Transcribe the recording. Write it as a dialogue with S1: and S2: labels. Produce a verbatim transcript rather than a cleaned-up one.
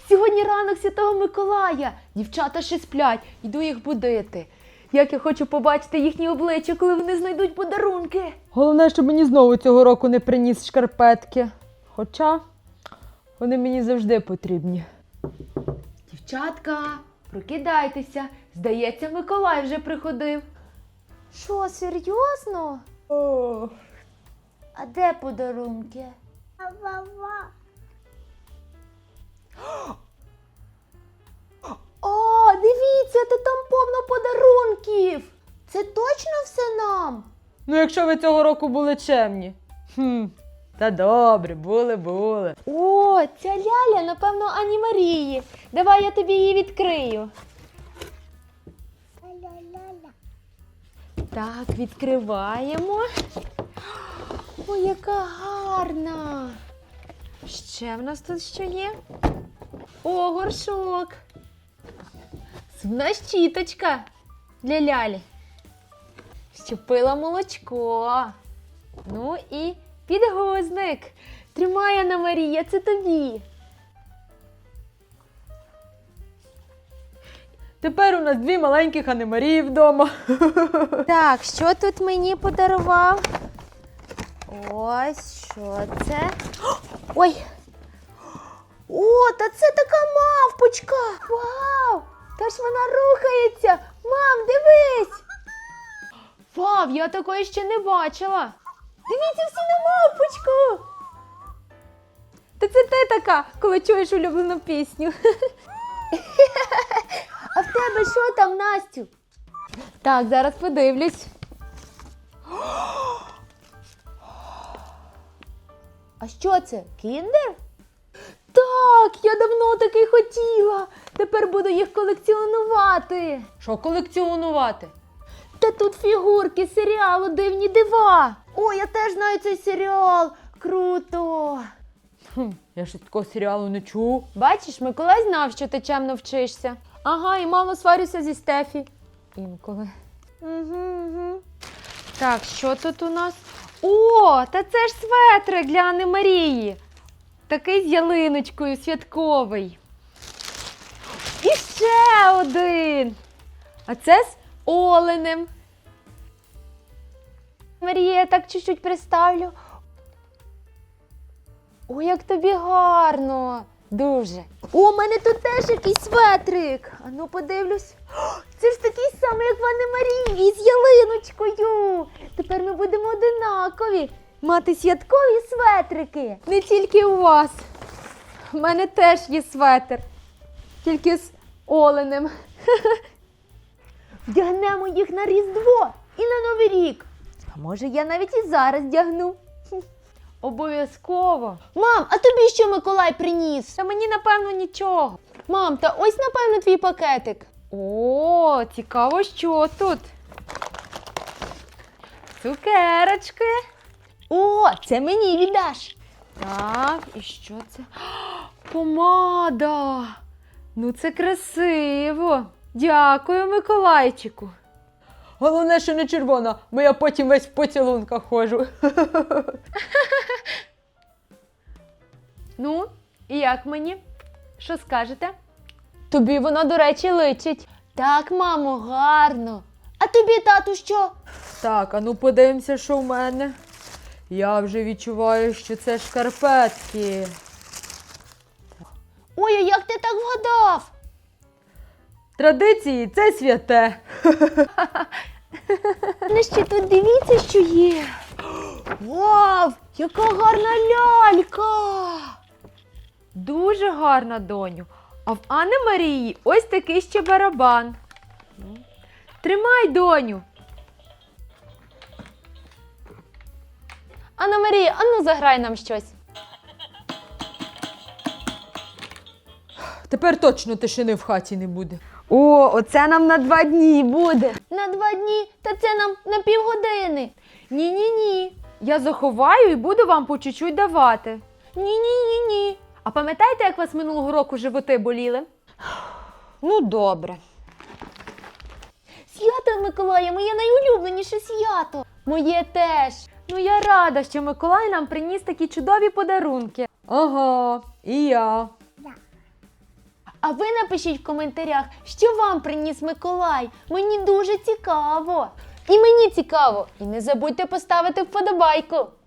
S1: Сьогодні ранок Святого Миколая. Дівчата ще сплять, йду їх будити. Як я хочу побачити їхні обличчя, коли вони знайдуть подарунки.
S2: Головне, щоб мені знову цього року не приніс шкарпетки. Хоча вони мені завжди потрібні.
S1: Дівчатка, прокидайтеся. Здається, Миколай вже приходив. Що, серйозно?
S2: О,
S1: А де подарунки? О, дивіться, та там повно подарунків. Це точно все нам?
S2: ну якщо ви цього року були чемні. Хм, та добре, були, були.
S1: О, ця ляля, напевно, Ані Марії. Давай я тобі її відкрию. Так, відкриваємо. Ой, яка гарна. Ще в нас тут що є? О, горшок. Зубна щіточка для лялі. Щоб пила молочко. Ну і підгузник. Тримай, Анна Марія, це тобі.
S2: Тепер у нас дві маленьких Анни Марії вдома.
S1: Так, що тут мені подарував? Ось, що це? Ой! О, та це така мавпочка! Вау! Та ж вона рухається! Мам, дивись! Вау, я такої ще не бачила! Дивіться всі на мавпочку! Та це ти така, коли чуєш улюблену пісню. А в тебе що там, Настю? Так, зараз подивлюсь. А що це? Кіндер? Так, я давно такий хотіла. Тепер буду їх колекціонувати.
S2: Що колекціонувати?
S1: Та тут фігурки серіалу «Дивні дива». О, я теж знаю цей серіал. Круто.
S2: Хм, я ще такого серіалу не чув.
S1: Бачиш, Миколай знав, що ти чемно вчишся. Ага, і мало сварюся зі Стефі. Інколи. Угу, угу. Так, що тут у нас? О, та це ж светрик для Анни Марії. Такий з ялиночкою, святковий. І ще один. А це з оленем. Марія, я так чуть-чуть приставлю. Ой, як тобі гарно. Дуже. О, у мене тут теж якийсь светрик. А ну подивлюсь. О, це ж такий самий, як в Анни Марії, з ялиночкою. Тепер ми будемо одинакові. Мати святкові светрики. Не тільки у вас. У мене теж є светр. Тільки з оленем. Вдягнемо їх на Різдво і на Новий рік. А може я навіть і зараз вдягну.
S2: Обов'язково.
S1: Мам, а тобі що Миколай приніс?
S2: Та мені, напевно, нічого.
S1: Мам, та ось, напевно, твій пакетик.
S2: О, цікаво, що тут. Цукерочки.
S1: О, це мені віддаш.
S2: Так, і що це? Помада. Ну, це красиво. Дякую, Миколайчику. Головне, що не червона, бо я потім весь в поцілунках ходжу. Ну, і як мені? Що скажете?
S1: Тобі воно, до речі, личить. Так, мамо, гарно. А тобі, тату, що?
S2: Так, а ну подивимося, що в мене. Я вже відчуваю, що це шкарпетки.
S1: Ой, а як ти так вгадав?
S2: Традиції – це святе.
S1: Ну ще тут дивіться, що є. Вау, яка гарна лялька.
S2: Дуже гарна, доню. А в Анни Марії ось такий ще барабан. Тримай, доню.
S1: Анна Марія, ану заграй нам щось.
S2: Тепер точно тишини в хаті не буде.
S1: О, оце нам на два дні буде. На два дні? Та це нам на півгодини.
S2: Ні-ні-ні. Я заховаю і буду вам по чуть-чуть давати.
S1: Ні-ні-ні-ні.
S2: А пам'ятаєте, як у вас минулого року животи боліли?
S1: Ну, добре. Свято Миколая, моє найулюбленіше свято. Моє теж.
S2: Ну, я рада, що Миколай нам приніс такі чудові подарунки. Ага, і я.
S1: А ви напишіть в коментарях, що вам приніс Миколай. Мені дуже цікаво. І мені цікаво. І не забудьте поставити вподобайку.